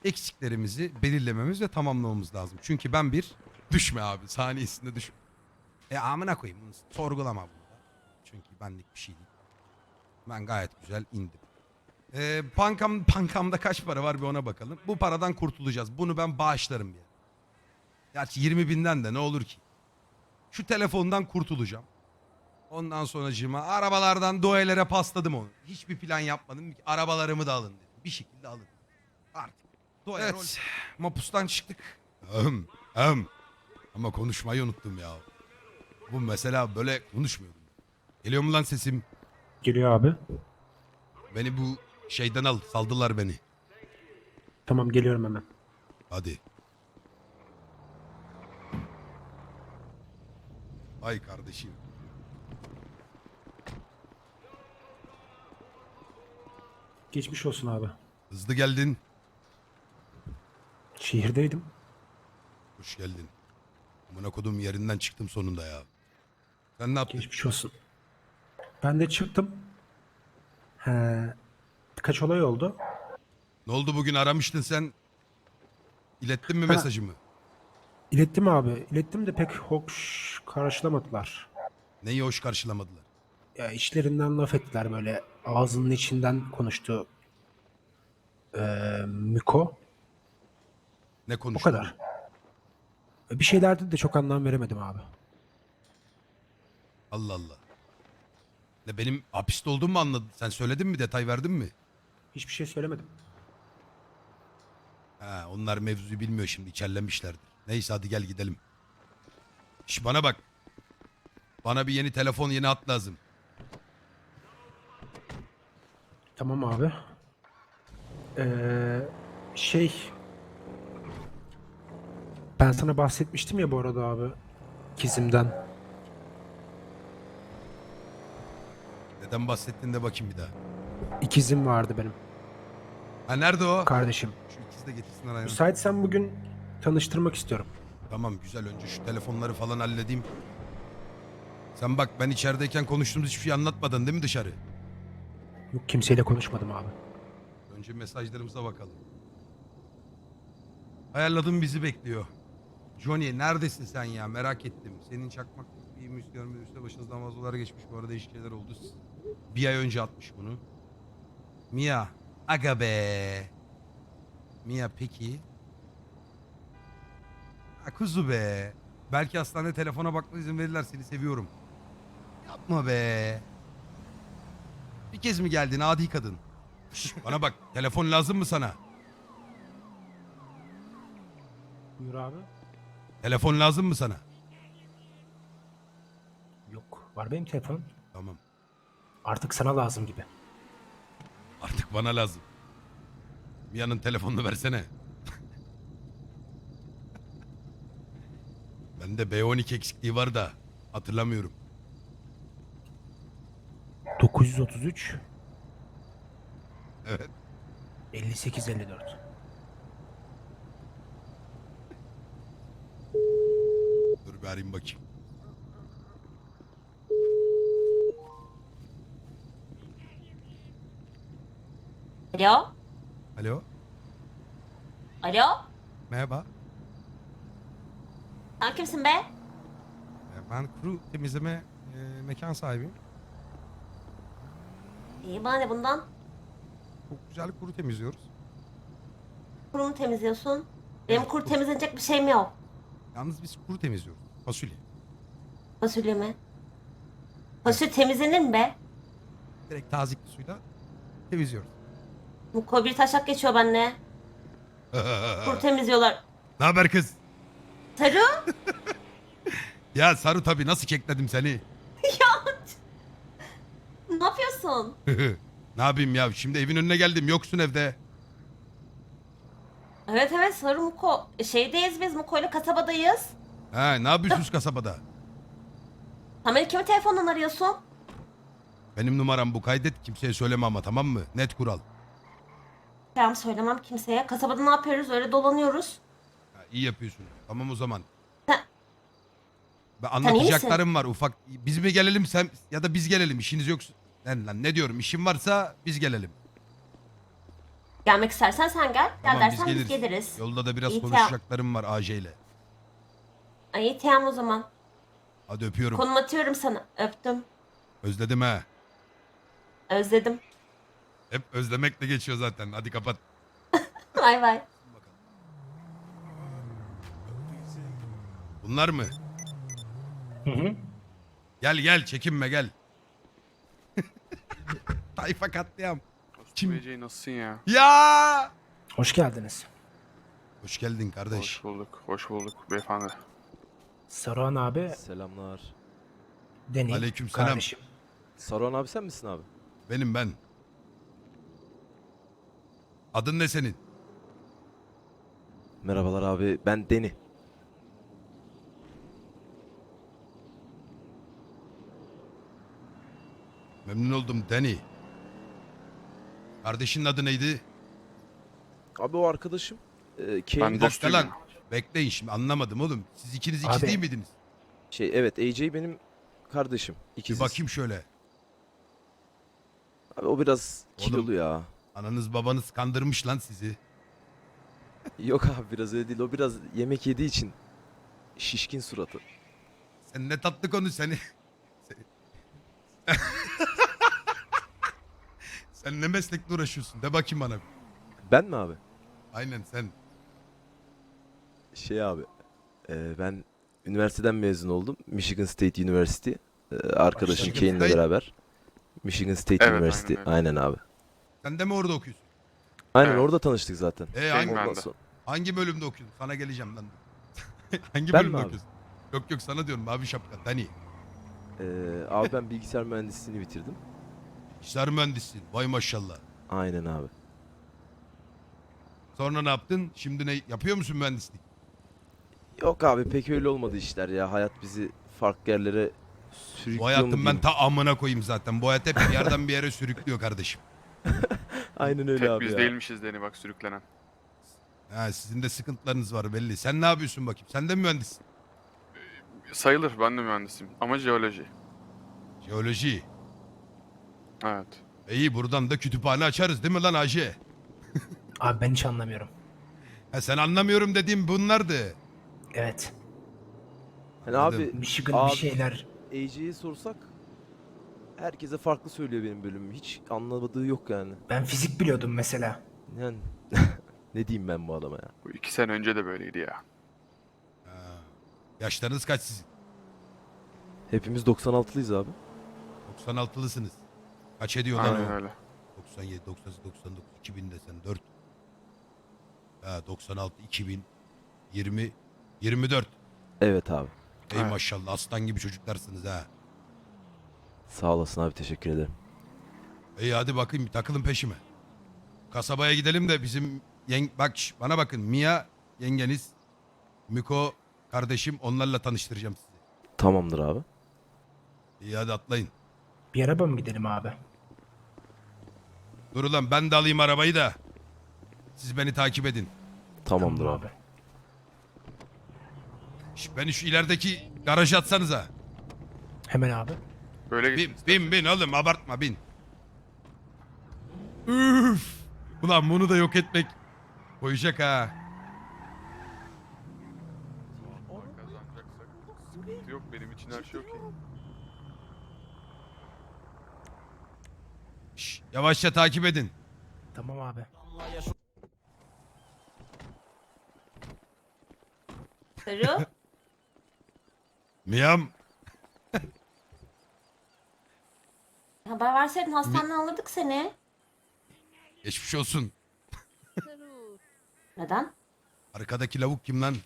eksiklerimizi belirlememiz ve tamamlamamız lazım. Çünkü ben bir düşme abi saniyesinde düşme. Amına koyayım bunu sorgulama burada. Çünkü benlik bir şey değil. Ben gayet güzel indim. Bankamda kaç para var bir ona bakalım. Bu paradan kurtulacağız. Bunu ben bağışlarım bir. Gerçi 20 binden de ne olur ki. Şu telefondan kurtulacağım. Ondan sonracığıma arabalardan Doğelere pasladım onu. Hiçbir plan yapmadım. Arabalarımı da alın dedim. Bir şekilde alın. Artık. Evet. Mapustan çıktık. Ama konuşmayı unuttum ya. Bu mesela böyle konuşmuyordum. Geliyor mu lan sesim? Geliyor abi. Beni bu şeyden al. Saldılar beni. Tamam geliyorum hemen. Hadi. Ay kardeşim. Geçmiş olsun abi. Hızlı geldin. Şehirdeydim. Hoş geldin. Amına kodum yerinden çıktım sonunda ya. Sen ne yaptın? Geçmiş olsun. Ben de çıktım. He, birkaç olay oldu. Ne oldu bugün aramıştın sen? İlettin mi Ha. mesajımı? İlettim abi. İlettim de pek hoş karşılamadılar. Neyi hoş karşılamadılar? Ya işlerinden laf ettiler böyle. Ağzının içinden konuştu. Miko. Ne O konuştun? kadar. Bir şeylerdi de çok anlam veremedim abi. Allah Allah. Ne benim hapiste olduğumu mu anladın? Sen söyledin mi? Detay verdin mi? Hiçbir şey söylemedim. Ha, onlar mevzuyu bilmiyor şimdi. İçerlemişlerdir. Neyse hadi gel gidelim. Şş bana bak. Bana bir yeni telefon, yeni hat lazım. Tamam abi. Şey... Ben sana bahsetmiştim ya bu arada abi. Kizim'den. Neden bahsettin de bakayım bir daha. İkizim vardı benim. Ha nerede o? Kardeşim. Şu ikisi de getirsinler ayağını. Müsaitsen bugün tanıştırmak istiyorum. Tamam güzel, önce şu telefonları falan halledeyim. Sen bak, ben içerideyken konuştuğumuz hiçbir şey anlatmadın değil mi dışarı? Yok, kimseyle konuşmadım abi. Önce mesajlarımıza bakalım. Ayarladığım bizi bekliyor. Johnny neredesin sen ya, merak ettim. Senin çakmak bir müzik görmediyse başınızdan vazolar geçmiş, bu arada değişik şeyler oldu. Bir ay önce atmış bunu. Mia. Aga be. Mia peki. Ha, kuzu be. Belki hastanede telefona bakma izin verirler, seni seviyorum. Yapma be. Bir kez mi geldin adi kadın? Şş, bana bak, telefon lazım mı sana? Buyur abi. Telefon lazım mı sana? Yok. Var benim telefonum. Tamam. Artık sana lazım gibi. Artık bana lazım. Mia'nın telefonunu versene. Bende B12 eksikliği var da hatırlamıyorum. 933 Evet. 5854. Dur bir arayayım bakayım. Alo? Alo. Alo? Merhaba. Sen kimsin be? Ben kuru temizleme mekan sahibiyim. İyi bana ne bundan? Çok güzel kuru temizliyoruz. Kuru mu temizliyorsun? Benim Evet, kuru kuru. temizlenecek bir şeyim yok. Yalnız biz kuru temizliyoruz. Fasulye. Fasulye mi? Fasulye temizlenir mi be? Direkt tazikli suyla temizliyoruz. Bu bir taşak geçiyor benimle. Kuru temizliyorlar. Ne haber kız? Sarı? Ya Saru tabii, nasıl kekledim seni. Ne yapıyorsun? Ne yapayım ya, şimdi evin önüne geldim, yoksun evde. Evet evet Sarı Muko. Şeydeyiz biz Muko'yla kasabadayız. Ha, ne yapıyorsunuz kasabada? Sen beni kimin telefonundan arıyorsun? Benim numaram bu, kaydet, kimseye söyleme ama, tamam mı? Net kural. Tamam söylemem kimseye. Kasabada ne yapıyoruz? Öyle dolanıyoruz. Ha, iyi yapıyorsun. Tamam o zaman. Sen, Ben Sen iyi misin? anlatacaklarım var ufak. Biz mi gelelim sen ya da biz gelelim, işiniz yoksa. Lan ne diyorum, işin varsa biz gelelim. Gelmek istersen sen gel. Gel Tamam biz dersen biz geliriz. geliriz. Yolda da biraz İyi, konuşacaklarım var AJ ile. Ay tamam o zaman. Hadi öpüyorum. Konum atıyorum sana. Öptüm. Özledim ha. Özledim. Hep özlemekle geçiyor zaten. Hadi kapat. Bay bay. Bunlar mı? Hı hı. Gel gel çekinme gel. Tayfa katliam. Kim? Kim? Nasılsın ya? Ya! Hoş geldiniz. Hoş geldin kardeş. Hoş bulduk. Hoş bulduk beyefendi. Saruhan abi, Selamlar. Deni, Aleykümselam. kardeşim. Saruhan abi sen misin abi? Benim ben. Adın ne senin? Merhabalar abi ben Deni. Memnun oldum Danny. Kardeşinin adı neydi? Abi o arkadaşım. Ben Bir dakika dostuyum lan. ya. Bekleyin şimdi anlamadım oğlum. Siz ikiniz Abi. ikiz değil miydiniz? Evet AJ benim kardeşim. Bir İkiziz. bakayım şöyle. Abi o biraz Oğlum. kilolu ya. Ananız babanız kandırmış lan sizi. Yok abi biraz öyle değil. O biraz yemek yediği için şişkin suratı. Sen ne tatlı konu seni. Sen ne meslekle uğraşıyorsun? De bakayım bana. Ben mi abi? Aynen sen. Şey abi. Ben üniversiteden mezun oldum. Michigan State University. Arkadaşım Michigan Kane'le State? beraber. Michigan State Evet, University. aynen öyle. Aynen abi. Sen de mi orada okuyorsun? Aynen Evet. orada tanıştık zaten. Hangi, Ben Ondan de. sonra- hangi bölümde okuyorsun? Sana geleceğim lan. Hangi Ben bölümde mi abi? okuyorsun? Yok yok sana diyorum abi şapka. Dani. Abi ben bilgisayar mühendisliğini bitirdim. İşler mühendisliğin. Vay maşallah. Aynen abi. Sonra ne yaptın? Şimdi ne yapıyor musun mühendislik? Yok abi pek öyle olmadı işler ya. Hayat bizi farklı yerlere Bu sürüklüyor mu hayatın ben diyeyim. ta amına koyayım zaten. Bu hayat hep bir yerden bir yere sürüklüyor kardeşim. Aynen öyle Tek abi biz ya. değilmişiz Deni bak sürüklenen. Ha, sizin de sıkıntılarınız var belli. Sen ne yapıyorsun bakayım? Sen de mi mühendissin? Sayılır ben de mühendisim ama jeoloji. Jeoloji. Evet. İyi buradan da kütüphane açarız değil mi lan Hacı? Abi ben hiç anlamıyorum. Ha, sen anlamıyorum dediğim bunlardı. Evet. Hani Anladım. abi Michigan Abi- bir şeyler. AJ'ye sorsak herkese farklı söylüyor benim bölümüm. Hiç anlamadığı yok yani. Ben fizik biliyordum mesela. Yani ne diyeyim ben bu adama ya. Bu 2 sene önce de böyleydi ya. Yaşlarınız kaç sizin? Hepimiz 96'lıyız abi. 96'lısınız. Kaç ediyor lan Aynen o? öyle. 97, 98, 99, 2000 desen 4. Ha 96, 2000, 20, 24. Evet abi. Ey Evet. maşallah aslan gibi çocuklarsınız ha. Sağ olasın abi teşekkür ederim. İyi hadi bakayım takılın peşime. Kasabaya gidelim de bizim bak bana bakın Mia yengeniz, Miko kardeşim onlarla tanıştıracağım sizi. Tamamdır abi. İyi hadi atlayın. Bir araba mı gidelim abi? Dur ulan ben de alayım arabayı da. Siz beni takip edin. Tamamdır Tamam abi. Beni şu ilerideki garaja atsanıza. Hemen abi. Böyle Bin, gitsin. bin oğlum abartma bin. Üf. Ulan bunu da yok etmek koyacak ha. Kazanacaksak sıkıntı yok benim için her şey okey. Şş, yavaşça takip edin. Tamam abi. Saru. Miam. Haber verseydin hastaneden alırdık seni. Geçmiş olsun. Neden? Arkadaki lavuk kim lan?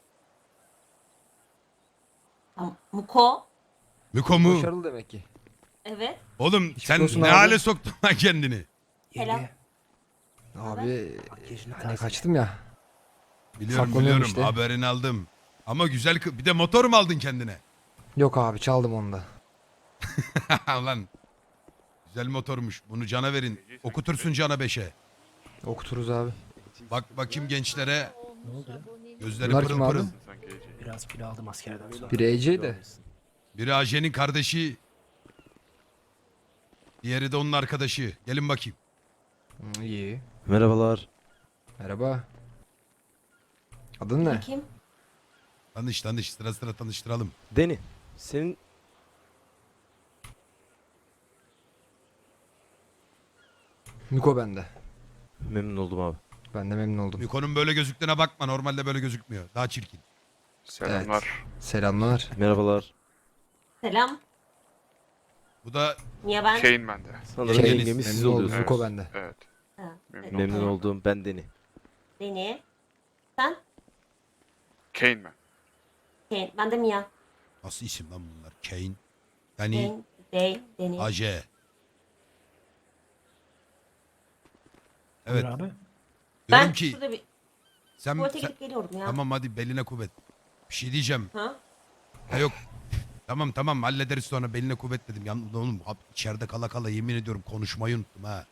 Muko. Miko mu? Başarılı demek ki. Evet. Oğlum sen olsun ne abi. hale soktun lan kendini? Selam. Yenge. Abi Makyajını hani taze. kaçtım ya. Biliyorum Saklanıyorum biliyorum işte. haberini aldım. Ama güzel bir de motor mu aldın kendine? Yok abi çaldım onu da. Lan. Güzel motormuş. Bunu Can'a verin. Okutursun Can'a 5'e. Okuturuz abi. Bak bakayım gençlere. Gözleri Bunlar pırıl kim abi? pırıl. Sanki Ece. Biraz kilo aldım askerden sonra. Biri AJ de. Biri Ajen'in kardeşi. Diğeri de onun arkadaşı. Gelin bakayım. İyi. Merhabalar. Merhaba. Adın ne? Kim? Tanış sıra sıra tanıştıralım. Deni, senin Miko bende. memnun oldum abi. Ben de memnun oldum. Miko'nun böyle gözüktüğüne bakma, normalde böyle gözükmüyor. Daha çirkin. Selamlar. Selamlar. Merhabalar. Selam. Bu da Niye ben? Kane bende. Sanırım Şey, yengemiz siz memnun oldum. oluyorsunuz. Miko bende. Evet. Ha, Memnun evet. oldum. Memnun olduğum ben Deni. Deni. Sen? Kane ben. Kane. Ben de Mia. nasıl isim lan bunlar? Kane. Yani Deni. AJ. Buyur Evet. abi. Diyorum Ben ki şurada bir sen, tuvalete sen- gidip geliyorum ya. tamam hadi beline kuvvet. Bir şey diyeceğim. Ha? Ha yok. Tamam hallederiz sonra, beline kuvvet dedim. Oğlum içeride kala kala yemin ediyorum konuşmayı unuttum ha.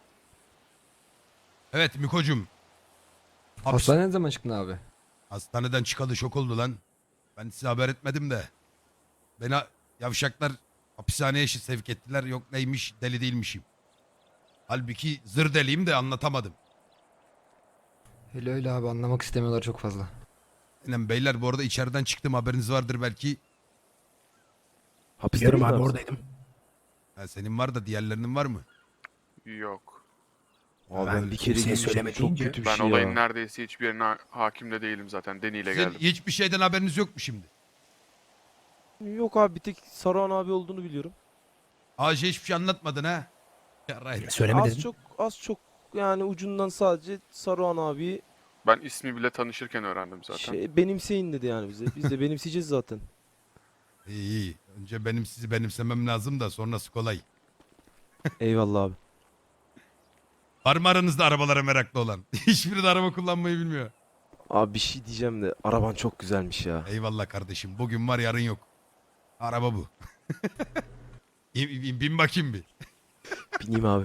Evet Miko'cum. Hastaneye ne zaman çıktın abi? Hastaneden çıkalı şok oldu lan. Ben size haber etmedim de. Beni yavşaklar hapishaneye sevk ettiler. Yok neymiş, deli değilmişim. Halbuki zır deliyim de anlatamadım. Öyle abi, anlamak istemiyorlar çok fazla. Aynen beyler, bu arada içeriden çıktım, haberiniz vardır belki. Hapiste Biliyorum miydin abi sen? oradaydım. Ha, senin var da diğerlerinin var mı? Yok. Abi Ben ben bir kere kimseye girmiştim, söyleme çok deyince- kötü bir Ben şey olayın ya. neredeyse hiçbirine hakim de değilim zaten. Deni ile Sizin geldim. hiçbir şeyden haberiniz yok mu şimdi? Yok abi, bir tek Saruhan abi olduğunu biliyorum. AJ hiçbir şey anlatmadın ha? Yarayın. Söyleme Az dedim. çok yani ucundan sadece Saruhan abi Ben ismi bile tanışırken öğrendim zaten. benimseyin dedi yani bize. Biz de benimseyeceğiz zaten. İyi. Önce benim sizi benimsemem lazım da sonrası kolay. Eyvallah abi. Var mı aranızda arabalara meraklı olan? Hiçbiri de araba kullanmayı bilmiyor. Abi bir şey diyeceğim de araban çok güzelmiş ya. Eyvallah kardeşim. Bugün var yarın yok. Araba bu. Bin bakayım bir. Bineyim abi.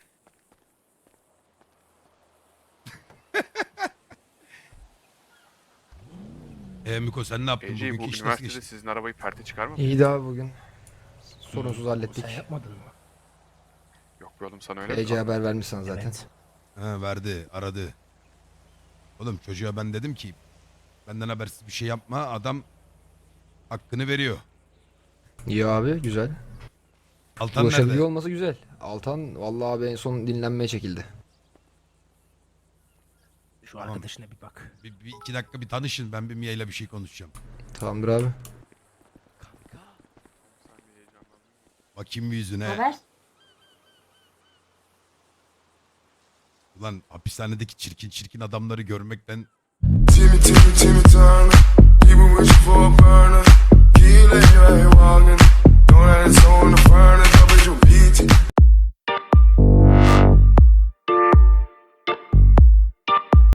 Miko sen ne yaptın? Ece bu Bugünkü iş nasıl üniversitede geçti? sizin arabayı perte çıkarmadı. İyiydi abi bugün. Sorunsuz hallettik. Sen yapmadın mı? Yok be oğlum, sana öyle mi Ece kaldı? haber vermişsin zaten. Evet. Ha, verdi, aradı. Oğlum çocuğa ben dedim ki benden habersiz bir şey yapma. Adam hakkını veriyor. İyi abi, güzel. Altan Ulaşabiliyor nerede? olması güzel. Altan vallahi abi en son dinlenmeye çekildi. Şu arkadaşına bir bak. Bir iki dakika bir tanışın. Ben bir Mia ile bir şey konuşacağım. Tamamdır abi. Bakayım bir yüzüne. Haber? Ulan hapishanedeki çirkin adamları görmekten Timmy, Timmy, Timmy Turner.